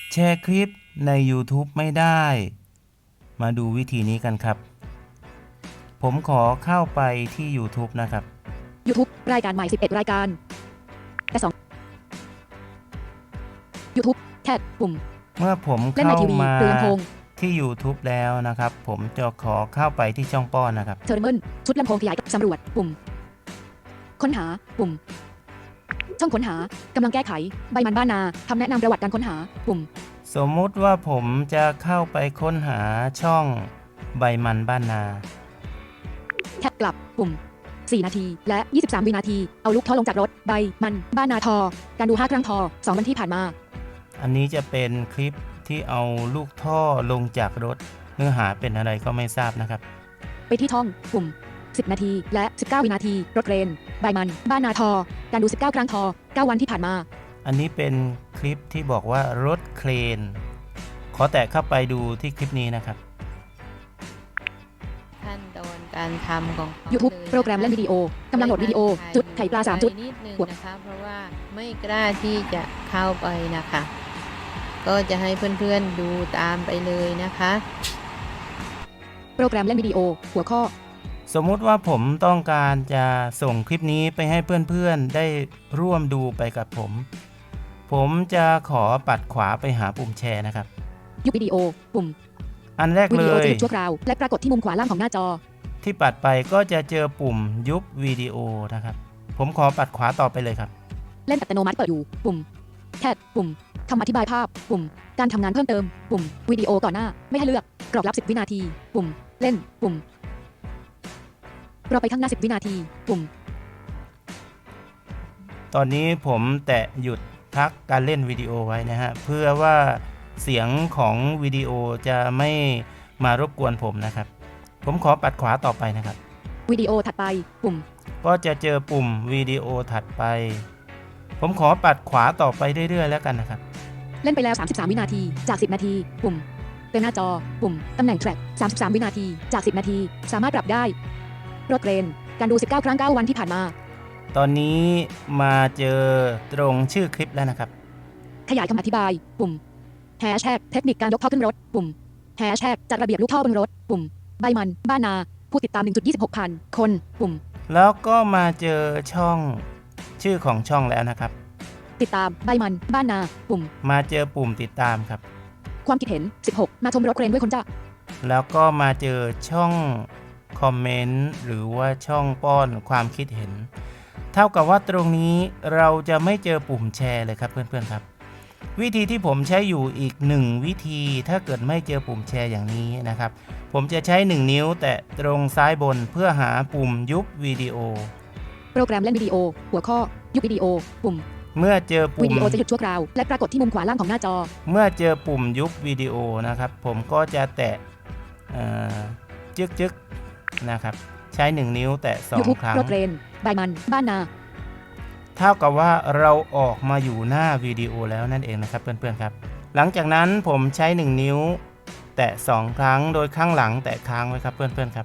แชร์คลิปใน YouTube ไม่ได้มาดูวิธีนี้กันครับผมขอเข้าไปที่ YouTube นะครับ YouTube รายการใหม่11รายการแต่2 YouTube แท็บปุ่มเมื่อผมเล่นในเข้าทีวีมาหรือลำโพงที่ YouTube แล้วนะครับผมจะขอเข้าไปที่ช่องป้อนนะครับเทอร์เมิลชุดลำโพงขยายสำรวจปุ่มค้นหาปุ่มช่องค้นหากำลังแก้ไขใบมันบ้านนาคำแนะนำประวัติการค้นหาปุ่มสมมุติว่าผมจะเข้าไปค้นหาช่องใบมันบ้านนาแท็บกลับปุ่ม4นาทีและ23วินาทีเอาลูกท่อลงจากรถใบมันบ้านนาทอการดู5ครั้งทอ2วันที่ผ่านมาอันนี้จะเป็นคลิปที่เอาลูกท่อลงจากรถเนื้อหาเป็นอะไรก็ไม่ทราบนะครับไปที่ท่องปุ่ม10นาทีและ19วินาทีรถเรนใบมันบ้านนาทอการดู19ครั้งทอ9วันที่ผ่านมาอันนี้เป็นคลิปที่บอกว่ารถเครนขอแตะเข้าไปดูที่คลิปนี้นะครับขั้นตอนการทำของเขา YouTube เลยโปรแกรมเล่นวิดีโอ กำลังโหลดวิดีโอ จุดไข่ปลา3จุดนิดนึงนะคะเพราะว่าไม่กล้าที่จะเข้าไปนะคะ ก็จะให้เพื่อนๆดูตามไปเลยนะคะโปรแกรมเล่นวิดีโอ หัวข้อสมมุติว่าผมต้องการจะส่งคลิปนี้ไปให้เพื่อนๆได้ร่วมดูไปกับผมจะขอปัดขวาไปหาปุ่มแชร์นะครับยุบวิดีโอ ปุ่มอันแรกวิเลดีโอย จะหยุดชั่วคราวและปรากฏที่มุมขวาล่างของหน้าจอที่ปัดไปก็จะเจอปุ่มยุบวิดีโอนะครับผมขอปัดขวาต่อไปเลยครับเล่นอัตโนมัติเปิดอยู่ ปุ่มแคทปุ่มคำอธิบายภาพ ปุ่ม การทำงานเพิ่มเติม ปุ่ม วิดีโอก่อนหน้า ไม่ให้เลือก กรอบรับ10วินาที ปุ่ม เล่น ปุ่ม รอไปข้างหน้า10วินาที ปุ่มตอนนี้ผมแตะหยุดพักการเล่นวิดีโอไว้นะฮะเพื่อว่าเสียงของวิดีโอจะไม่มารบกวนผมนะครับผมขอปัดขวาต่อไปนะครับวิดีโอถัดไป ปุ่มก็จะเจอปุ่มวิดีโอถัดไปผมขอปัดขวาต่อไปเรื่อยๆแล้วกันนะครับเล่นไปแล้ว33วินาทีจาก10นาที ปุ่มเต็มหน้าจอ ปุ่มตำแหน่งแทร็ก33วินาทีจาก10นาทีสามารถปรับได้รถเรนการดู19ครั้ง9วันที่ผ่านมาตอนนี้มาเจอตรงชื่อคลิปแล้วนะครับขยายคำอธิบาย ปุ่มแฮชแท็กเทคนิคการยกท่อขึ้นรถ ปุ่มแฮชแท็กจัดระเบียบลูกท่อบนรถ ปุ่มใบมันบ้านนาผู้ติดตาม 1.26 พันคน ปุ่มแล้วก็มาเจอช่องชื่อของช่องแล้วนะครับติดตามใบมันบ้านนา ปุ่มมาเจอปุ่มติดตามครับความคิดเห็น16มาชมรถเครนด้วยคนจ้าแล้วก็มาเจอช่องคอมเมนต์หรือว่าช่องป้อนความคิดเห็น เท่ากับว่าตรงนี้เราจะไม่เจอปุ่มแชร์เลยครับเพื่อนๆครับวิธีที่ผมใช้อยู่อีก1วิธีถ้าเกิดไม่เจอปุ่มแชร์อย่างนี้นะครับผมจะใช้1นิ้วแตะตรงซ้ายบนเพื่อหาปุ่มยุบวิดีโอโปรแกรมเล่นวิดีโอ หัวข้อ ยุบวิดีโอ ปุ่มเมื่อเจอปุ่วิมดีโอจะหยุดชั่วคราวและปรากฏที่มุมขวาล่างของหน้าจอเมื่อเจอปุ่มยุบวิดีโอนะครับผมก็จะแตะจึ๊กๆนะครับใช้1นิ้วแตะ2 ครั้งรถเรนใบมันบ้านนาเท่ากับว่าเราออกมาอยู่หน้าวิดีโอแล้วนั่นเองนะครับเพื่อนๆครับหลังจากนั้นผมใช้1นิ้วแตะ2 ครั้งโดยข้างหลังแตะค้างไว้ครับเพื่อนๆครับ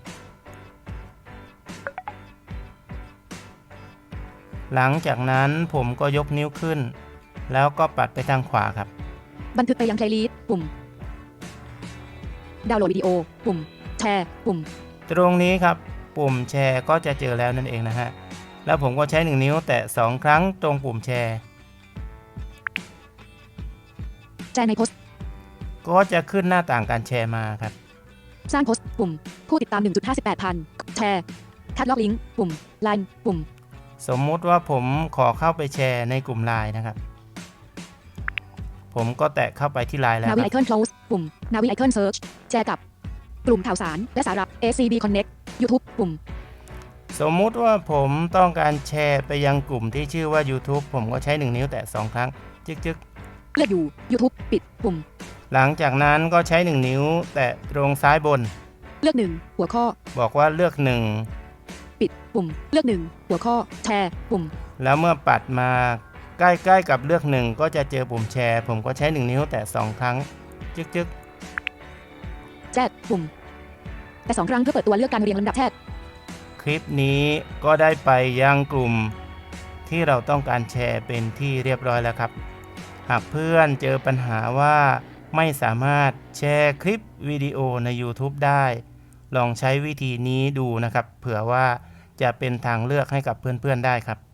หลังจากนั้นผมก็ยกนิ้วขึ้นแล้วก็ปัดไปทางขวาครับบันทึกไปยังเพลย์ลิสต์ ปุ่มดาวน์โหลดวิดีโอ ปุ่มแชร์ ปุ่มตรงนี้ครับปุ่มแชร์ก็จะเจอแล้วนั่นเองนะฮะแล้วผมก็ใช้1นิ้วแตะ2 ครั้งตรงปุ่มแชร์แชร์ในโพสต์ก็จะขึ้นหน้าต่างการแชร์มาครับสร้างโพสต์ ปุ่ม ผู้ติดตาม 1.58 พันแชร์คัดลอกลิงก์ ปุ่มไลน์ ปุ่มสมมุติว่าผมขอเข้าไปแชร์ในกลุ่ม LINE นะครับผมก็แตะเข้าไปที่ LINE แล้วนาวิไอคอน close ปุ่มนาวิไอคอน search แชร์กับกลุ่มข่าวสารและสาระ ACB Connect YouTube ปุ่มสมมุติว่าผมต้องการแชร์ไปยังกลุ่มที่ชื่อว่า YouTube ผมก็ใช้1นิ้วแตะ2 ครั้งจึ๊กเลือกอยู่ YouTube ปิด ปุ่มหลังจากนั้นก็ใช้1นิ้วแตะตรงซ้ายบนเลือก1หัวข้อบอกว่าเลือกปิด ปุ่ม เลือก1หัวข้อ แชร์ ปุ่มแล้วเมื่อปัดมาใกล้ๆกับเลือก1ก็จะเจอปุ่มแชร์ผมก็ใช้1นิ้วแตะ2 ครั้งจึ๊กแชร์ ปุ่ม แต่2 ครั้งเพื่อเปิดตัวเลือกการเรียงลำดับแชร์คลิปนี้ก็ได้ไปยังกลุ่มที่เราต้องการแชร์เป็นที่เรียบร้อยแล้วครับหากเพื่อนเจอปัญหาว่าไม่สามารถแชร์คลิปวิดีโอใน YouTube ได้ ลองใช้วิธีนี้ดูนะครับ เผื่อว่าจะเป็นทางเลือกให้กับเพื่อนๆได้ครับ